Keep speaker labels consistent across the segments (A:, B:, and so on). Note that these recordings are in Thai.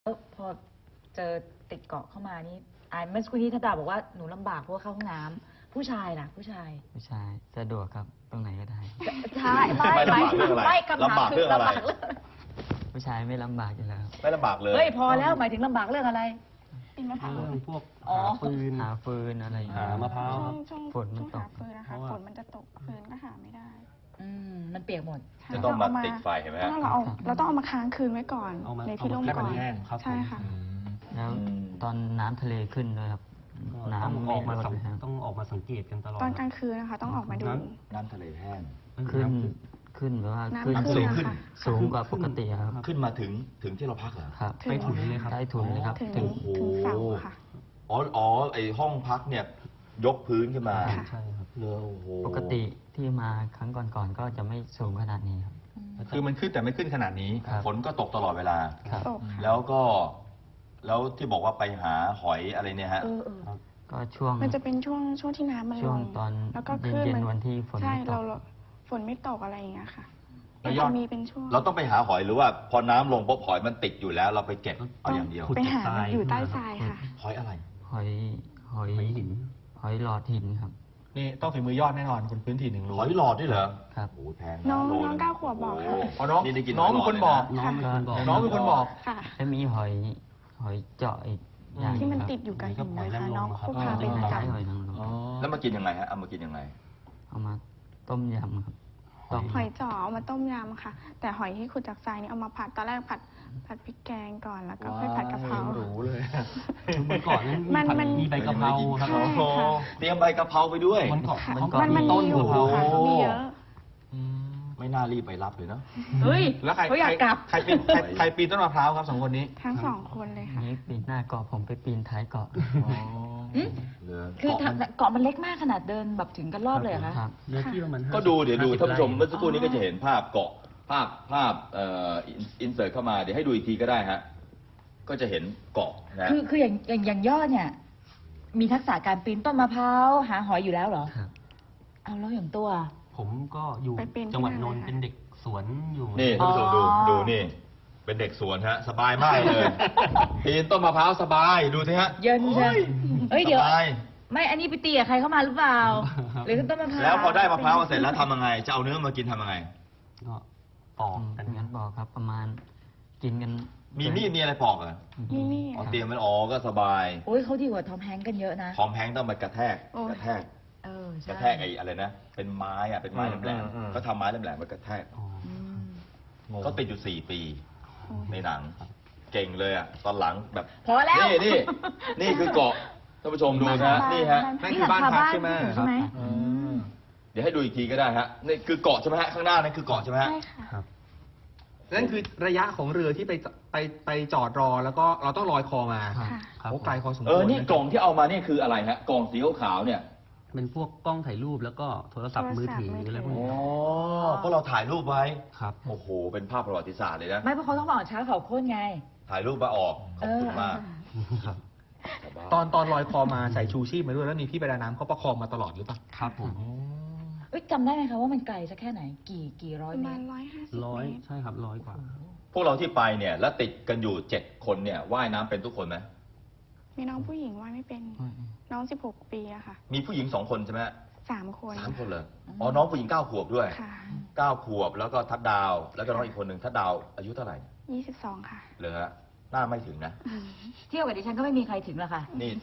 A: แล้วพอเจอติดเกาะเข้ามานี่เมื่อสักครู่นี้ธดาบอกว่าหนูลำบากเพราะว่าเข้าห้องน้ำผู้ชายล่ะผู้ชาย
B: สะดวกครับตรงไหนก็ได้
A: ใช่ไม่คำถามคือลำบากเรื่อง
B: ผู้ชายไม่ลำบากอยู่แล้ว
C: ไม่ลำบากเลย
A: เฮ้ยพอแล้วหมายถึงลำบากเรื่องอะไร
D: ปีนมะพร้าว
E: เรื่องพวก
A: อ๋อ
B: หาฟืนอะไรอย่างเงี้ย
E: หามะพร้าวครับ
D: ช่วง
B: ฝนมันตก
D: หาฟืนนะคะฝนมันจะตกฟืนก็หาไม่ได้
A: มันเปียกหมด
C: จะต้องมาติดไฟเห็นไหมฮะ
D: เราต้องเอามาค้างคืนไว้ก่อนในที่ร่มก่อน
E: ครับ
D: ใช่ค่ะ
B: แล้วตอนน้ำทะเลขึ้นด้วยครับน้ำไม่ลดเลยครับ
E: ต้องออกมาสังเกตกันตลอด
D: ตอนกลางคืนนะคะต้องออกมาดู
C: น้ำทะเลแห้ง
B: ขึ้นแบบว่า
D: น้ำ
B: ขึ้น
D: ขึ้น
C: ขึ้น
D: ค่ะ
B: สูงกว่าปกติครับ
C: ขึ้นมาถึงที่เราพักเหรอ
B: ครับ
D: ถึง
E: ใต้ถุนเลยครับ
B: ใต้ถุนเลยครับ
D: ถึง
C: โอ้โห
D: ถึงเสาค่ะ
C: อ๋อไอห้องพักเนี่ยยกพื้นขึ้นมา
D: ค่ะ
E: ใช่ครับ
C: เลอโอ้โห
B: ปกติที่มาครั้งก่อนๆก็จะไม่สูงขนาดนี้ครับ
F: คือมันขึ้นแต่ไม่ขึ้นขนาดนี้
B: ครับ
C: ฝนก็ตกตลอดเวลา
B: ครับ
D: ตกค่ะ
C: แล้วที่บอกว่าไปหาหอยอะไรเนี่ยฮะ
B: ก็ช่วง
D: มันจะเป็นช่วงที่น้ำมันล
B: ช่วง
D: ง
B: ตอน
D: แล้วก็คลื่น
B: เย็น
D: มัน
B: ๆวันที่ฝน
D: ใช่
B: ไม่ต
D: เรา
B: ก
D: ฝนไม่ตกอะไรอย่างเงี้ยค่ะ
F: แล้วยอด
D: จะมีเป็นช่วง
C: เราต้องไปหาหอยหรือว่าพอน้ำลงปุ๊บหอยมันติดอยู่แล้ว เราไปเก็บเอาอย่างเดียว
E: ขุด
D: ไปหา
E: จากทราย
D: อยู่ใต้ทรายค่ะ
C: หอยอะไร
B: หอย
E: หอยหิน
B: หอยหลอดหินครับ
F: นี่ต้องฝีมือยอดแน่นอนคนพื้นถิ่นหนึ่งรู้
C: หอยหลอดด้วยเหรอ
B: ครับ
C: โอ้โหแพงะ
D: น้อง
C: โล
D: น้อง
C: นึ
D: 9 ขวบบอกค่ะ
C: โโห
F: อ๋อน้อง
C: นี่ได้กิน
F: น้อง
C: หย
F: เป็น
C: หล
F: ค
C: ด
F: น
C: เลยะ
F: บอก
E: น้องเป็นคนบอก
F: น้องเป็นคนบอก
D: ค่ะ
B: แล้วมีหอยเจาะอีกอย่าง
D: ที่มัน
B: ครับ
D: ติดอยู่กับหิน
E: หอย
D: นะ
E: นางรม
D: คะน้อง
E: ครับ
D: ผู้พาเป็นประ
B: คล้าย
D: จำ
B: หอยนางรม
F: อ๋อ
C: แล้วมากินยังไงฮะเอามากินยังไง
B: เอามาต้มยำครับต้ม
D: หอยจ๋อเอามาต้มยำค่ะ แต่หอยที่ขุดจากทรายนี่เอามาผัดตอนแรกผัดพริกแกงก่อนแล้วก็ค่อยผัดกะเพรา
F: รู้เลย
E: คือเมื่อก่อนนั้น
D: มัน
E: มีใบกะเพราครับ
D: ใช่ค่ะ
C: เตรียมใบกะเพราไปด้วย
E: มันก่อน
D: ค่ะ
E: มันก่อน
D: มัน
E: มีต้น
D: มีอยู่
E: กะเพรา
D: ค่ะมีเยอะ
C: ไม่น่ารีบไปรับเลยเนาะ
A: เฮ้ย
F: แล้วใคร
A: เขาอยากกลับ
F: ใครปีนต้นมะพร้าวครับสองคนนี้
D: ทั้ง2 คนเลยค่ะ
B: นี้ปีนหน้าเกาะผมไปปีนท้ายเกาะ
C: เหลือ
A: คือเกาะมันเล็กมากขนาดเดินแบบถึงกันรอบเลยเหรอคะ
B: ครับ
E: เนื้อที่ประมาณ
C: ก็ดูเดี๋ยวดู
E: 50
C: ท่านผู้ชม
E: ไร่
C: เมื่อสักครู่นี้ก็จะเห็นภาพเกาะภาพอินเสิร์ตเข้ามาเดี๋ยวให้ดูอีกทีก็ได้ฮะก็จะเห็นเกาะนะ
A: คืออย่างยอดเนี่ย มีทักษะการปีนต้นมะพร้าวหาหอยอยู่แล้วเหรอ
B: ครับ
A: เอาแล้วอย่างตัว
E: ผมก็อยู่
D: ไปเป็นที่
E: จังหวัด
D: นั่น
E: นนท์
D: เลยค่ะ
E: เป็นเด็กสวนอยู่
C: นี่ท่านผู้ชมดูนี่ เป็นเด็กสวนฮะ สบายมากเลยปีนต้นมะพร้าวสบายดูสิฮะ
A: เย็นใช่เฮ้ยเดี๋ยว
C: สบาย
A: ไม่อันนี้ไปตีกับใครเข้ามาหรือเปล่า หรือต้นมะพร้าว
C: แล้วพอได้มะพร้าวมาเสร็จแล้วทำยังไง จะเอาเนื้อมากินทำยังไง
E: ก็ปอกกัน
B: งั้นบอกครับประมาณกินกัน
C: มีมีดมีอะไรปอกเหรอ
D: นี่
C: อ๋อเตรียมมันอ๋อก็สบาย
A: โอ้ยเขาดีกว่าทอมแฮงค์กันเยอะนะ
C: พร้อมแพงต้องมากระแทก
D: โอ้ย
C: กระแทก
A: เออก ใช่
C: ระแทกไอ้อะไรนะ เป็นไม้อะเป็นไม้แหลมๆก็ทำไม้แหลมๆมากระแทก
E: อ๋อ
A: อืม
C: ก็ติดอยู่4 ปีในหนัง เก่งเลยอ่ะ ตอนหลังแบบ
A: พอแล้ว
C: นี่คือเกาะท่านผู้ชมดูนะนี่ฮะ
F: นั่นคือบ้านพักใช่ไหม
A: ใช่ไหม
F: อืม
C: เดี๋ยวให้ดูอีกทีก็ได้ฮะนี่คือเกาะใช่ไหมฮะข้างหน้านั่นคือเกาะใช่ไหมฮะ
D: ใช่ค่ะ
E: ครับ
F: นั่นคือระยะของเรือที่ไปจอดรอแล้วก็เราต้องลอยคอมา
B: ครับ
D: ค่ะ
E: ครับ
F: โอ้ไกลพอสมควร
C: นี่กล่องที่เอามานี่คืออะไรฮะกล่องสีขาวๆเนี่ย
E: เป็นพวกกล้องถ่ายรูปแล้วก็โทรศัพท์มือถืออะไรพวก
C: อ๋อ
E: นี้
C: เพราะเราถ่ายรูปไว้
E: ครับ
C: โอ้โหเป็นภาพประวัติศาสตร์เลยนะ
A: ไม่เพราะเขาต้องบอกเช้าเขาโค่นไง
C: ถ่ายรูปมาออกขอบคุณมาก
E: ครับ
F: ตอนลอยคอมาใส่ชูชีพมาด้วยแล้วมีพี่ประดาน้ำเขาประคองมาตลอดหรือเปล่า
E: ครับผม
A: เอ้ยจำได้ไหมคะว่ามันไกลสักแค่ไหน กี่ร้
D: ป
A: อย
D: ระ
A: เม
D: มาณ
A: ตร
D: 150
E: ร้อย
D: เมตร
E: ใช่ครับ100 กว่า
C: พวกเราที่ไปเนี่ยแล้วติดกันอยู่7 คนเนี่ยว่ายน้ำเป็นทุกคนไหม
D: มีน้องผู้หญิงว่ายไม่เป็น น้อง16 ปีอะค่ะ
C: มีผู้หญิง2 คนใช่ไหมฮะ
D: 3 คน
C: 3 คนเลยอ๋อน้องผู้หญิง9 ขวบด้วย
D: ค่ะ
C: 9 ขวบแล้วก็ทัดดาว แล้วก็น้องอีกคนหนึ่งทัดดาวอายุเท่าไหร่
D: 22 ค่ะ
C: เลยฮะหน้าไม่ถึงนะ
A: เที่ยวกับดิฉันก็ไม่มีใครถึงหรอกค่ะ
C: นี่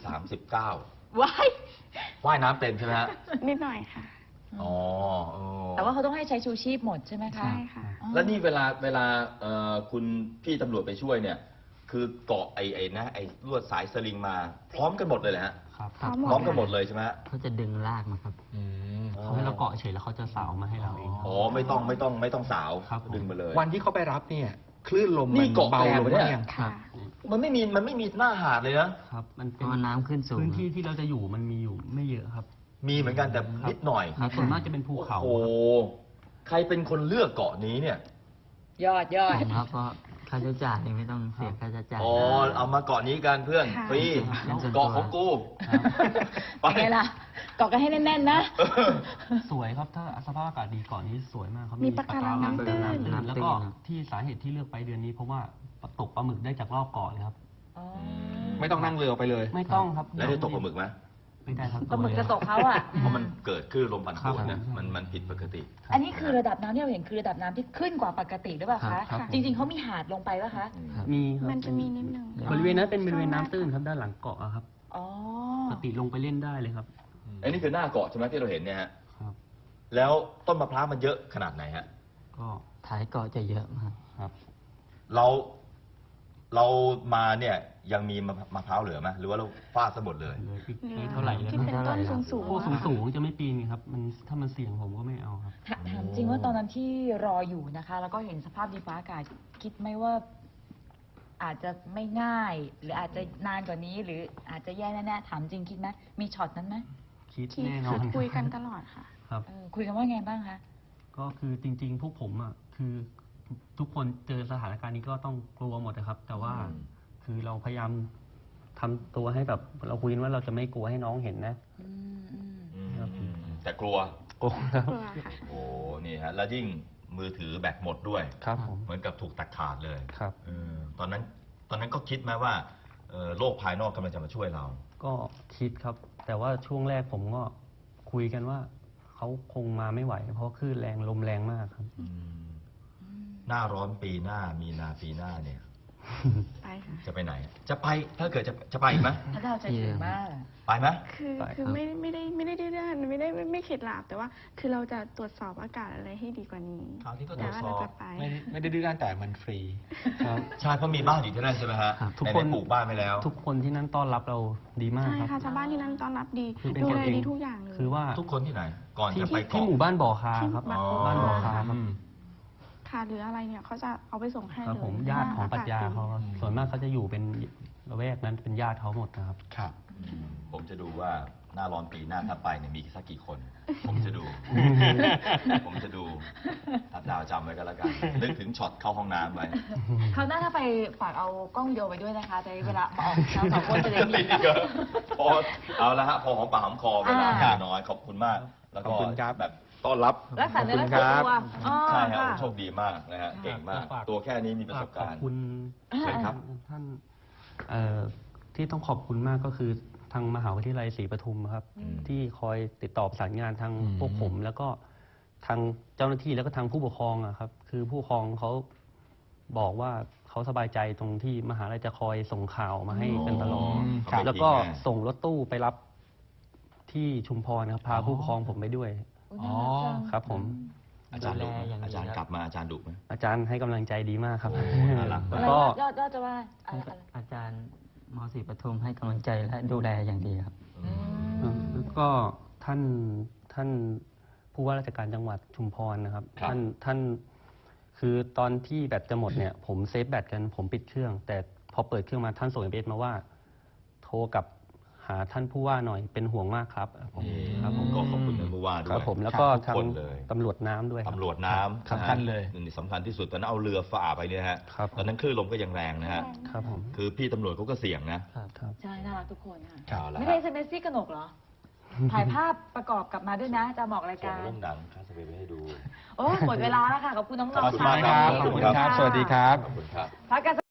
C: 39
A: ว้าย
C: ว่ายน้ำเป็นใช่ไหมฮะ
D: นิดหน่อยค่ะ
C: อ๋อเออ
A: แต่ว่าเขาต้องให้ใช้ชูชีพหมดใช่ไหมคะ
D: ใช่ค่ะ
A: อ๋อ
C: แล้วนี่เวลาคุณพี่ตำรวจไปช่วยเนี่ย คือเกาะไอ้ลวดสายสลิงมา พร้อมกันหมดเลยแหละฮะ
E: ครับ
D: พร้อมหมด
C: พร้อมกันหมดเลยใช่ไหมฮะ
B: เขาจะดึงลากมาครับ
E: เขาให้เราเกาะเฉยแล้วเขาจะสาวมาให้เราเอง
C: อ๋อไม่ต้องสาว
E: ครับผม
C: ดึงมาเลย
F: วันที่เขาไปรับเนี่ยคลื่นลม
C: นี่
F: มัน
C: เกาะ
F: เบา
C: แรง
F: ลง
C: ปะเนี่ย
F: บ้างยัง
D: ค่ะ
C: มันไม่มีหน้าหาดเลยนะ
E: ครับ มัน
B: เพ
E: เป็น
B: ราะว่าน้ำขึ้นสูง
E: พื้นที่ที่เราจะอยู่มันมีอยู่ไม่เยอะครับ
C: มีเหมือนกันแต่นิดหน่อย
E: ครับส่วนมากจะเป็นภูเขา
C: โอ้โหใครเป็นคนเลือกเกาะนี้เนี่ย
A: ยอด
B: ผมครับเพราะค่าใช้จ่ายไม่ต้องเสียค่าใช้จ่าย
C: อ๋อเอามาเกาะนี้กันเพื่อน
D: ค่ะ
C: ฟรี
B: ครับ
C: เกาะของกู ไป
A: เป็นไงล่ะเกาะกันให้แน่นๆนะ
E: สวยครับถ้าสภาพอากาศดีเกาะนี้สวยมากครับ
D: มีปะการังน้ำตื้น
E: แล้วก็ที่สาเหตุที่เลือกไปเดือนนี้เพราะว่าตกปลาหมึกได้จากรอบเกาะเลยครับ
A: อ๋อ
F: ไม่ต้องนั่งเรือไปเลย
E: ไม่ต้องครับ
C: แล้วได้ตกปลาหมึกไหม
E: ไม่ได้ครับ
A: ปลาหมึกจะตกเขาอ่ะ
C: เพราะมันเกิดคลื่นลมปั่นป่วน
E: ครั
C: นะ
E: บ
C: มันผิดปกติ
A: อันนี้คือระดับน้ำที่เราเห็นคือระดับน้ำที่ขึ้นกว่าปกติหรือเปล่า
E: ครั
A: คะ
E: บครับ
A: จริง ๆเขามีหาดลงไปป่ะคะ
E: ครับมีครับ
D: มันจะมีนิดนึง
E: บริเวณนั้นเป็นบริเวณน้ำตื้นครับด้านหลังเกาะอะครับ
A: อ๋อ
E: ปกติลงไปเล่นได้เลยครับ
C: อันนี้คือหน้าเกาะใช่ไหมที่เราเห็นเนี่ยฮะ
E: ครับ
C: แล้วต้นมะพร้าวมันเยอะขนาดไหนฮะ
E: ก็
B: ท้ายเกาะจะเยอะมาก
E: ครับ
C: เรามาเนี่ยยังมีมะพร้าวเหลือไหมหรือว่าเราฟาดซะหมดเลย
E: เหลืออีก
D: เหลือ
E: ไม่เท่าไหร่เลย
D: ที่เป็นต้นสูง
E: พวก
D: ๆอะ
E: สูงๆจะไม่ปีนไงครับ มันถ้ามันเสี่ยงผมก็ไม่เอาครับ
A: ถามจริงว่าตอนนั้นที่รออยู่นะคะ แล้วก็เห็นสภาพดินฟ้าอากาศคิดไหมว่า อาจจะไม่ง่าย หรืออาจจะนานกว่านี้ หรืออาจจะแย่แน่ๆถามจริงคิดไหมมีช็อตนั้นไหม
E: คิด
D: คิด
E: แน่นอน
D: คุยกันตลอดค่ะ
E: ครับ
A: คุยกันว่าไงบ้างคะ
E: ก็คือจริงๆ พวกผมอ่ะคือทุกคนเจอสถานการณ์นี้ก็ต้องกลัวหมดนะครับ แต่ว่า
C: อืม
E: คือเราพยายามทำตัวให้แบบเราคุยกันว่าเราจะไม่กลัวให้น้องเห็นนะ
A: อืมอืม
E: ครับ
C: แต่กลัว
E: กลัวครับ
D: กลัวค่ะ
C: โอ้นี่ฮะ แล้วยิ่งมือถือแบตหมดด้วย
E: ครับผม
C: เหมือนกับถูกตัดขาดเลย
E: ครับ
C: ตอนนั้นก็คิดไหมว่าโลกภายนอกกำลังจะมาช่วยเรา
E: ก็คิดครับ แต่ว่าช่วงแรกผมก็คุยกันว่าเขาคงมาไม่ไหว เพราะคลื่นแรงลมแรงมากครับ
C: หน้าร้อนปีหน้ามีนาปีหน้าเนี่ย
D: ไปค่ะ
C: จะไปไหน จะไปถ้าเกิดจะไปอีกไหม
A: ถ้าเราใจถึงมาก
C: ไปไหม
D: คือ
E: ไป
D: คือ
E: ครับ
D: ไม่ได้ดื้อด้านไม่เข็ดหลาบแต่ว่า คือเราจะตรวจสอบอากาศอะไรให้ดีกว่านี้
C: คราวนี้ก็ตร
D: แต่
C: วจ
D: ว่า
C: ส
D: เรา
C: อบ
D: จะไป
F: ไม่ได้ดื้อด้านแต่มันฟรี
E: ครับ
C: ใช่เพราะมีบ้านอยู่ที่นั่นใช่ไหมฮะ
E: ครับทุก
C: ไห
E: คน
C: ปลูกบ้านไปแล้ว
E: ทุกคนที่นั่นต้อนรับเราดีมาก
D: ใช่
E: ครับ
D: ค่ะชาวบ้านที่นั่นต้อนรับดี
E: คือเป็น
D: ดู
E: กัน
D: แล
E: เอง
D: ดีทุกอย่างเลย
E: คือว่า
C: ทุกคนที่ไหน ก่อน
E: ที่
C: จะไป
E: ที่
C: เกาะ
E: หมู่บ้านบ่อคาครับ
D: ที่
E: บ้านบ่อคาครับ
D: ค่ะหรืออะไรเนี่ยเขาจะเอาไปส่งให้
E: ครับ
D: เลย
E: ผมญาติของปรัชญาเขา
D: อ
E: ครับส่วนมากเขาจะอยู่เป็นละแวกนั้นเป็นญาติเขาหมดนะครับ
F: ครับ
C: ผมจะดูว่าหน้าร้อนปีหน้าถ้าไปเนี่ยมีสักกี่คน ผมจะดู ผมจะดูทับดาวจำไว้ก็แล้วกัน นึกถึงช็อตเข้าห้องน้ำไว้
A: เขาวหน้าถ้าไปฝากเอากล้องวิดีโอไปด้วยนะคะจะได้เวลามาออกเราสองคนจะได้มี
C: นี่ก็พอเอาละฮะพอหอมปากหอมคอเวลา
A: อ่า
C: น้อยขอบคุณมาก แล้วก็
F: ขอบคุณครับ
C: แบบต้อนรับ
A: รักษาเนื้อรักษาตัวอ๋อ
C: ใช่ฮะ
A: ค่ะ
C: โชคดีมากนะฮะเก่งมาก
E: ฝาก
C: ตัวแค่นี้มีประสบ
E: ข
C: กา
E: อบ
C: รณ์
E: คุณ
C: เชิญครับ
E: ท่านที่ต้องขอบคุณมากก็คือทางมหาวิทยาลัยศรีปทุมครับ
C: อืม
E: ที่คอยติดต่อประสานงานทาง
F: อืม
E: พวกผม แล้วก็ทางเจ้าหน้าที่แล้วก็ทางผู้ปกครองอะครับ คือผู้ปกครองเขาบอกว่าเขาสบายใจตรงที่มหาลัยจะคอยส่งข่าวมาให้กันตลอด
C: ครับ
E: แล้วก็ส่งรถตู้ไปรับที่ชุมพรครับพาผู้ปกครองผมไปด้วย
A: อุ๊ยน่ารักจัง
E: ครับผม
C: อาจารย์ดุไหม
B: ดูแลอย่างดี
C: อาจารย์กลับมาอาจารย์ดุไหม
E: อาจารย์ให้กำลังใจดีมากครับ
C: โอ้น่ารัก
E: แล้ว
A: อะไร
E: ก็
A: ยอดจะว่าอะไร
B: อาจารย์มศรีปทุมให้กำลังใจและดูแลอย่างดีครับ
E: แล้วก็ท่านผู้ว่าราชการจังหวัดชุมพรนะครับ
C: ครับ
E: ท่านคือตอนที่แบตจะหมดเนี่ย ผมเซฟแบตกันผมปิดเครื่อง แต่พอเปิดเครื่องมาท่านส่งSMS มาว่า โทรกลับหาท่านผู้ว่าหน่อยเป็นห่วงมากครับผม
C: นี่
E: ครับผม
C: ก็ขอบคุณท่านผู้ว่าด้
E: ครั
C: ว
E: บ
C: ย
E: ผมแล้วก็
C: ทุก
E: ทาง
C: คนเลย
E: ตำรวจน้ำด้วยครับ
C: ตำรวจน้ำ
F: สำคัญเลย
C: นี่สำคัญที่สุดตอนนั้นเอาเรือฝ่าไปเนี่ยฮะ
E: ครับ
C: ตอนนั้นคลื่นลมก็ยังแรงนะฮะ
E: ครับผม
C: คือพี่ตำรวจเขาก็เสี่ยงนะ
E: ครับ
A: ใช่น่ารักทุกคนค่ะ
C: เอาละ
A: ไม่
C: ฮะ
A: ได้เซนซี่กนกเหรอ ถ่ายภาพประกอบกลับมาด้วยนะ จะบอกราย
C: ส่
A: กาง ร
C: เรื่องหนังคาสเปไปให้ดู
A: โอ้หมดเวลาแล้วค่ะ ขอบคุณน้องๆ
C: ขอบคุณมาก
A: ค่ะ
C: ครับ
F: ขอบคุณครับ สวัสดีครับ
C: ขอบคุณครับ
A: พักกัน